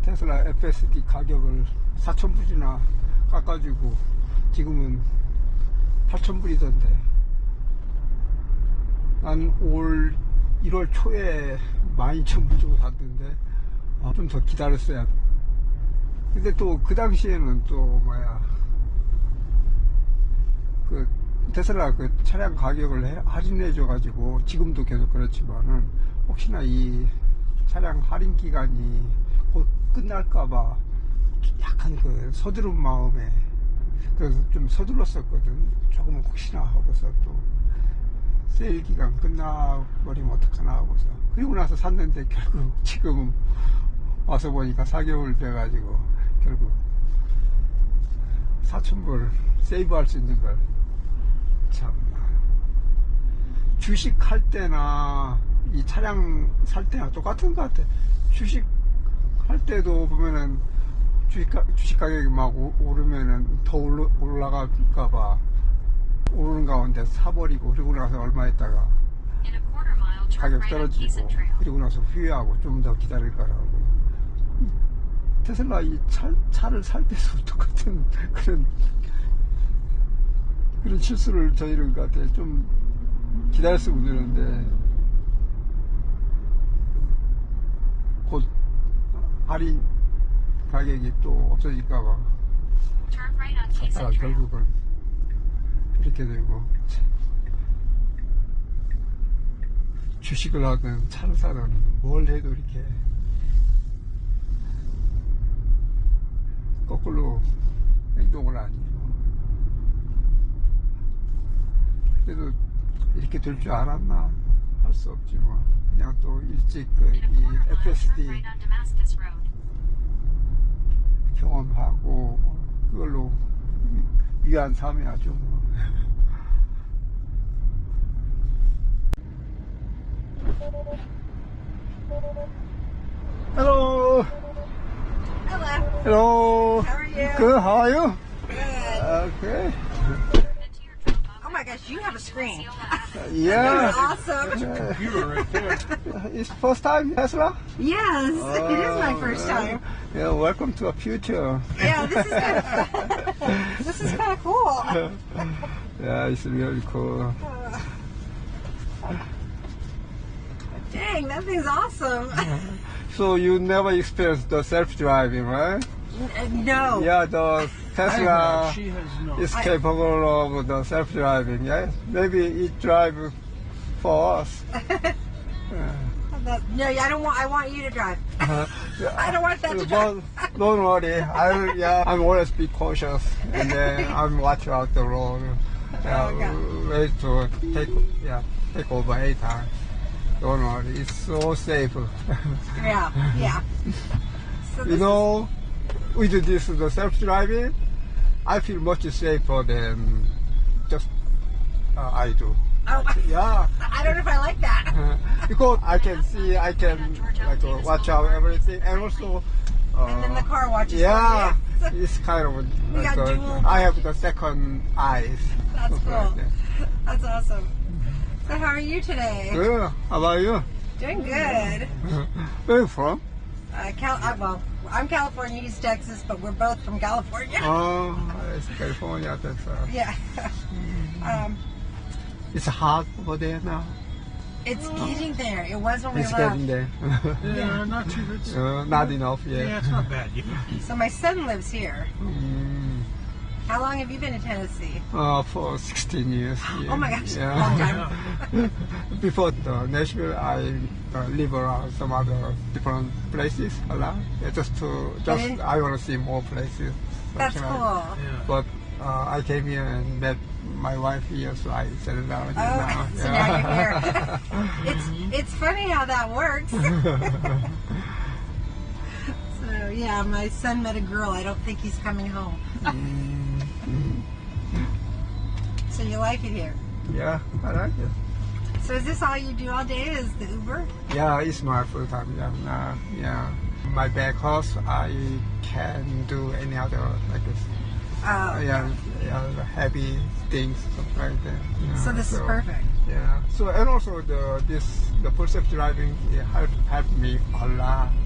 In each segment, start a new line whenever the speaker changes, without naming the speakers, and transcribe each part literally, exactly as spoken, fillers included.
테슬라 에프에스디 가격을 사천 불이나 깎아주고 지금은 팔천 불이던데, 난 올 일월 초에 만 이천 불 주고 샀는데 어, 좀 더 기다렸어야. 근데 또 그 당시에는 또 뭐야, 그 테슬라 그 차량 가격을 해, 할인해 줘 가지고, 지금도 계속 그렇지만은 혹시나 이 차량 할인 기간이 곧 끝날까봐 약간 그 서두른 마음에, 그래서 좀 서둘렀었거든. 조금 혹시나 하고서 또 세일 기간 끝나버리면 어떡하나 하고서. 그리고 나서 샀는데 결국 지금 와서 보니까 사 개월 돼가지고 결국 사천 불 세이브 할 수 있는 걸. 참, 주식 할 때나 이 차량 살 때나 똑같은 것 같아. 주식 할 때도 보면은 주식, 가, 주식 가격이 막 오, 오르면은 더 올라, 올라갈까봐 오르는 가운데 사버리고, 그리고 나서 얼마 있다가 가격 떨어지고, 그리고 나서 후회하고 좀 더 기다릴 거라고. 테슬라 이 차, 차를 살 때도 똑같은 그런 그런 실수를 저지른 것 같아. 좀 기다렸으면 되는데 곧 할인 가격이 또 없어질까봐 샀다가 결국은 이렇게 되고, 주식을 하든 차를 사든 뭘 해도 이렇게 거꾸로 행동을 하니. 그래도 이렇게 될 줄 알았나? 할 수 없지 뭐. 그냥 또 일찍 그 이 에프에스디 경험하고 그걸로 위안 삼아야죠 뭐. Hello.
Hello.
Hello.
How are you?
Good. How are you?
Good.
Okay.
Oh my gosh, you have a screen.
Yeah.
Awesome.
Computer right there.
It's first time Tesla?
Yes, it is my first time.
Yeah, welcome to a future.
Yeah, this is kind of this is kind of cool.
Yeah, it's really cool.
Dang, that thing's awesome.
So you never experienced the self-driving, right?
N- No.
Yeah, the Tesla
She has no.
is capable of the self-driving. Yeah, maybe it drive for us.
No, I don't want. I want you to drive. I don't want that to
But
drive.
don't worry. I yeah, I'm always be cautious, and then I'm watch out the road. Yeah,
Okay.
wait to take yeah take over eight times. Don't worry, it's so safe.
Yeah, yeah. So
You
this
know, with this the self-driving, I feel much safer than just uh, I do.
Is, oh,
Yeah.
I don't know if I like that.
Because I can see, I can like uh, watch out everything, and also, uh,
And then the car watches.
yeah,
for you.
it's kind of
We
like
got
uh,
dual-
I have the second eyes.
That's
Something
cool.
like that.
That's awesome. So how are you today?
Good. How about you?
Doing good.
Where are you from?
Uh, Cal- uh, well, I'm California, he's Texas, but we're both from California.
Oh, it's California. That's uh,
Yeah. um,
it's hot over there now.
it's getting there. It was when we
It's
left.
getting there.
Yeah, not too. It's,
uh, not enough yet.
yeah, it's not bad yet.
So my son lives here.
Mm,
How long have you been in Tennessee?
uh, for sixteen years. Yeah.
Oh my gosh,
Yeah.
long time.
Before the Nashville, I uh, live around some other different places a lot. Yeah, just to just
Really?
I want to see more places.
That's
something like
cool.
Yeah.
But uh, I came here and met my wife here, so I settled down here
Oh,
now.
so now you're here. It's it's funny how that works. So yeah, my son met a girl. I don't think he's coming home. So you like it here?
Yeah, I like it.
So is this all you do all day? Is the Uber?
Yeah, it's my full time job now. Yeah, my back house, I can do any other like this.
Uh,
Yeah, yeah, heavy things, something like that. Yeah,
So this is perfect.
Yeah. So and also the this the full self driving it helped helped me a lot. Yeah.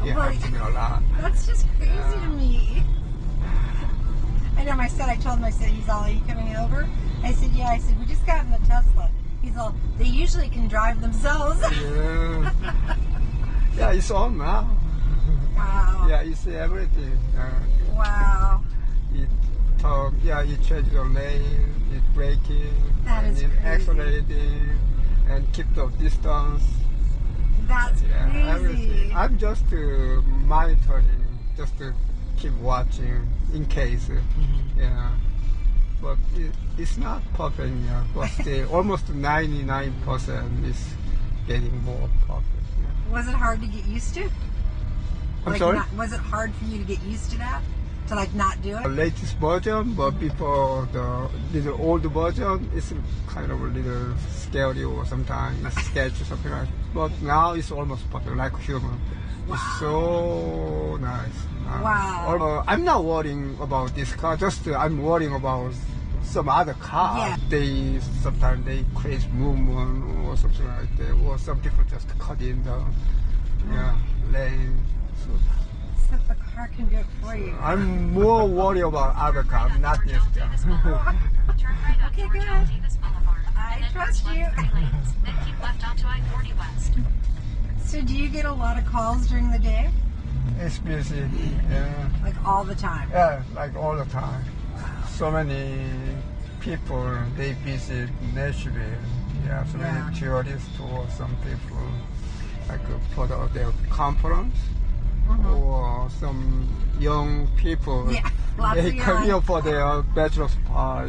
He helps me a lot.
That's just crazy
Yeah.
to me. I know my son, I told him, I said, he's all, are you coming over? I said, yeah. I said, we just got in the Tesla. He's all, they usually can drive themselves.
Yeah. Yeah, it's on now.
Wow.
Yeah, it's everything. Uh,
Wow.
it talk, yeah, it changes the lane, it braking,
That
and
is
it
crazy.
accelerating, and keep the distance.
That's
Yeah,
crazy.
everything. I'm just uh, monitoring, just to keep watching in case.
Mm-hmm.
Yeah, but it, it's not perfect yet. But still, almost ninety-nine percent is getting more perfect. Yeah.
Was it hard to get used to?
I'm
Like,
sorry.
Not, was it hard for you to get used to that? To like not do
The
it?
latest version, but before the little old version, it's kind of a little scary or sometimes a sketch or something like that. But now it's almost perfect, like human. It's so nice. Uh,
Wow.
uh, I'm not worrying about this car, just uh, I'm worrying about some other cars.
Yeah.
They sometimes they create movement or something like that, or some people just cut in the yeah, lane. So
So the car can do it for you.
I'm more worried about other cars, not this car.
Turn right up
Okay,
towards
good.
John Davis Boulevard.
I
and then
trust
turn
you.
left three lanes. Then keep left onto I forty West.
So do you get a lot of calls during the day?
It's busy, yeah.
Like all the time?
Yeah, like all the time. So many people, they visit Nashville. Yeah, so
Yeah.
many tourists or some people, like uh, for the, their conference, or some young people,
Yeah, lots
they
of
come
young.
here for their bachelor's party.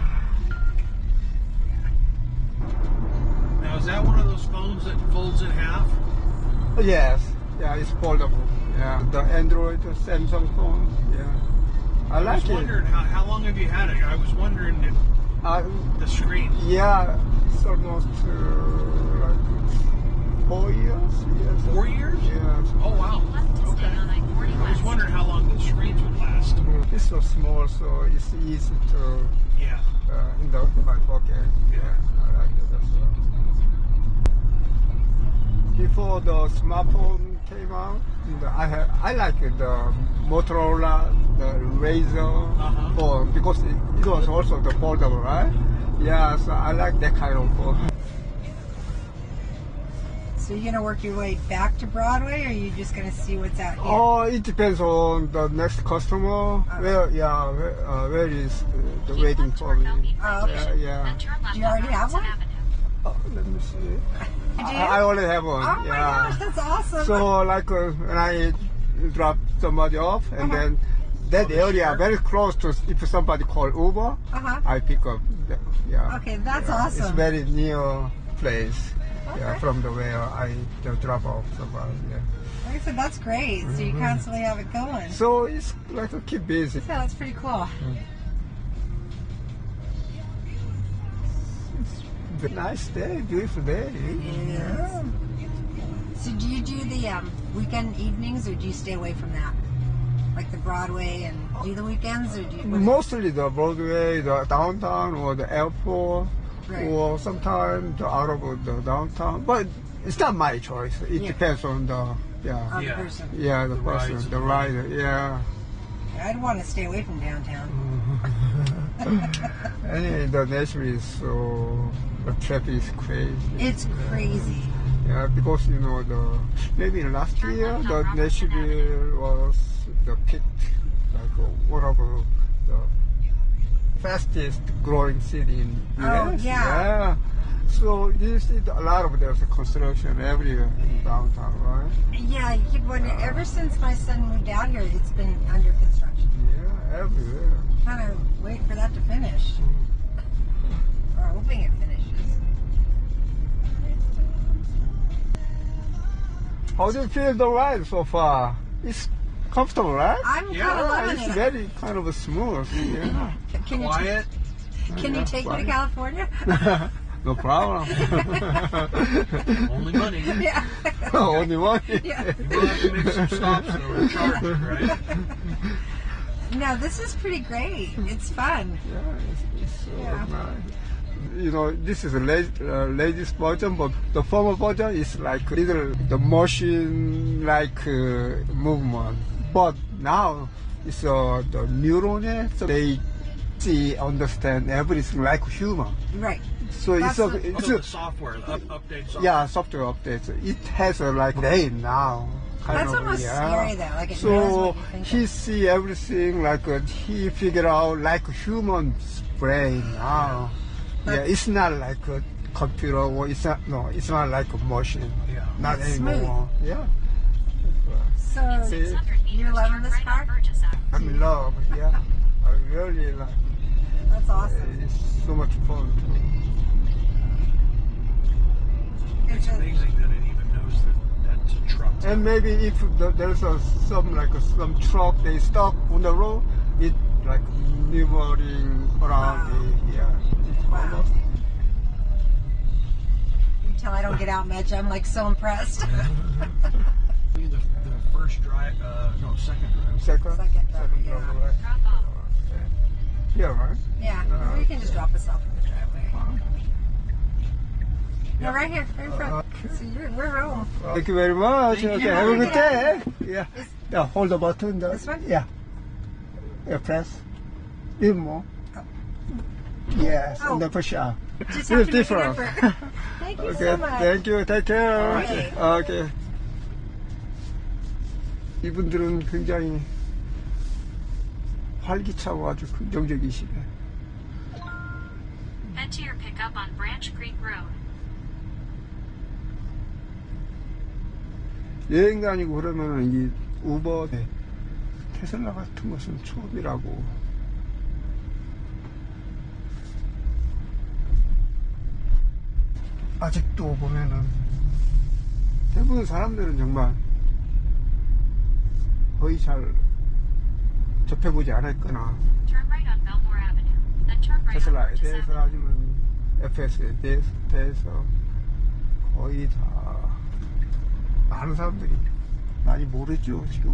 Now, is that one of those phones that folds in half?
Yes, yeah, it's foldable. Yeah, the Android, the Samsung phone. Yeah, I
I
like
was
it.
wondering, how, how long have you had it? I was wondering if
Uh,
the screen.
yeah, it's almost uh, like four years. Yes.
Four years?
Yes.
Oh, wow.
Left to stay
Okay.
on I forty
I was
West.
wondering how long the screens would last.
It's so small, so it's easy to
Yeah.
uh, in the my pocket. Yeah, I like it. That's all. Before the smartphone came out, the, I had I like the Motorola, the Razr
Uh-huh.
phone because it, it was also the foldable, right? Yeah, so I like that kind of phone.
So you're gonna work your way back to Broadway, or are you just gonna see what's out here?
Oh, it depends on the next customer. Where, yeah, where, uh, where is uh, the
Keep
waiting
left
for
toward
me?
Bellmead
Oh, okay.
Station.
Yeah, yeah.
Then turn left
Do you already
on
have
Robinson
one?
Avenue.
Oh, let me see.
You do?
I, I already have one.
Oh my
yeah.
gosh, that's awesome.
So like uh, when I drop somebody off, and
Uh-huh.
then that
Oh, the
area
share?
very close to if somebody call Uber,
Uh-huh.
I pick up. The, yeah.
Okay, that's
Yeah, It's
awesome.
very near place. Yeah,
Okay.
from the where I just drop off somebody. Yeah.
Like I said, that's great. So you constantly have it going.
So it's like a keep busy.
Yeah, that's pretty cool.
It's a nice day, beautiful day. Yeah.
So do you do the um, weekend evenings, or do you stay away from that? Like the Broadway and do the weekends, or do you? what-
Mostly the Broadway, the downtown, or the airport,
Right.
or sometimes the out of the downtown. But it's not my choice. It
Yeah.
depends on the yeah,
on
Yeah.
the person.
yeah, the,
The
person,
rides
the
and-
rider. Yeah.
I'd want to stay away from downtown.
Anyway, the Nashville is so the traffic is crazy.
It's crazy.
Yeah, because you know the maybe last
Turn
year
left on
the
Robinson
Nashville was the peak, like uh, one of uh, the fastest growing city in U S.
Oh, yeah.
Yeah. So you see a lot of there's construction everywhere in downtown, right?
Yeah, you keep wondering. Ever since my son moved out here, it's been under construction.
Yeah, everywhere.
Kind of wait for that to finish, or hoping it finishes.
How do you feel the ride so far? It's comfortable, right?
I'm
Yeah,
kind of
Yeah,
loving
it's
it.
very kind of smooth. Yeah.
Can you
Quiet.
can you take me to
Quiet.
California?
No problem.
Only money.
Yeah.
Only one.
Yeah.
We'll have to make some stops though and charge it, right?
No, this is pretty great. It's fun.
Yeah, it's, it's so
Yeah.
nice. You know, this is a la- uh, latest version, but the former version is like little the machine like uh, movement. But now it's uh, the neuron, so they see, understand everything like human.
Right.
So
That's
it's a,
what-
it's
So
a
the software, the up, update software.
yeah, software updates. It has a like brain now. Kind
That's
of,
almost
yeah.
scary, though, like it
so
knows what you think
he
of.
see everything like uh, he figure out like human's brain now. Yeah,
That's-
it's not like a computer or it's not no, it's not like a machine.
Yeah.
Not
It's
anymore. Yeah,
So
See?
six hundred meters,
You're loving
turn
this
right
car?
on Burgess Avenue.
I'm in love. Yeah, I really like.
that's awesome.
It's so much fun.
It's
It's
a,
amazing that it even knows that that's a truck.
And maybe if the, there's a, some like a, some truck they stop on the road, it like maneuvering around.
Wow.
The, yeah, it's
Wow.
almost.
you tell I don't get out much. I'm like so impressed.
The, the first drive, uh, no, second drive.
Second,
Second driver,
second
yeah.
driver, right?
Drop off.
Yeah, right.
yeah.
Uh,
Or you can just drop us off in the driveway.
Wow.
No, right here, right in front. So you're, we're home.
Thank you very much.
Thank
Okay,
you.
have a good
Yeah.
day. Yeah.
Is-
Yeah, hold the button. The,
This one?
Yeah. Yeah, press. Even more.
Oh.
Yes,
Oh.
and then push up.
Just
Little
have to make an
different.
effort. Thank you
Okay,
so much.
thank you. Take care.
Okay.
Okay. 이분들은 굉장히 활기차고 아주 긍정적이시네.
Head to your pickup on Branch Creek Road.
여행 다니고 그러면 이 우버, 테슬라 같은 것은 처음이라고. 아직도 보면은 대부분 사람들은 정말 거의 잘 접해보지 않았거나
Turn right on Belmore Avenue. Then turn right on
테슬라에
Burgess
대해서
Avenue.
아니면 에프에스에 대해서, 대해서 거의 다 많은 사람들이 많이 모르죠 지금.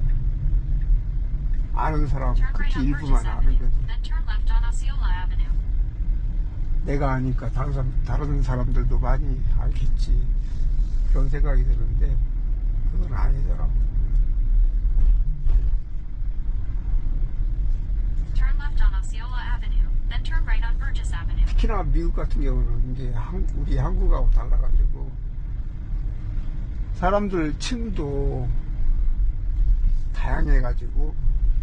아는 사람
Turn right
그렇게
on
일부만
Burgess
아는
Avenue.
거지.
Then turn left on Osceola Avenue.
내가 아니까 다른, 사람, 다른 사람들도 많이 알겠지 그런 생각이 드는데 그건 아니더라고.
Turn left on Osceola Avenue. Then turn right on Burgess Avenue.
특히나 미국 같은 경우는 이제 한- 우리 한국하고 달라가지고 사람들 층도 다양해가지고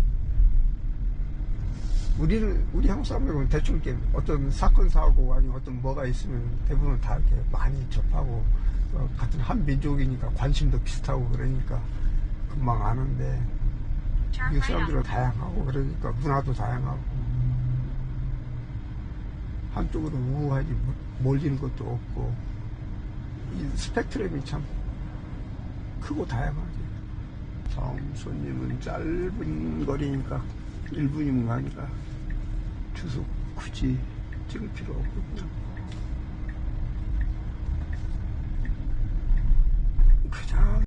우리는 우리 한국 사람들은 대충 이렇게 어떤 사건 사고 아니면 어떤 뭐가 있으면 대부분 다 이렇게 많이 접하고 어, 같은 한 민족이니까 관심도 비슷하고 그러니까 금방 아는데
Turn
미국
right
사람들은
on.
다양하고 그러니까 문화도 다양하고 한쪽으로 우우하게 몰리는 것도 없고 이 스펙트럼이 참 크고 다양하지. 다음 손님은 짧은 거리니까 일 분이면 가니까 주소 굳이 찍을 필요 없거든요. 그냥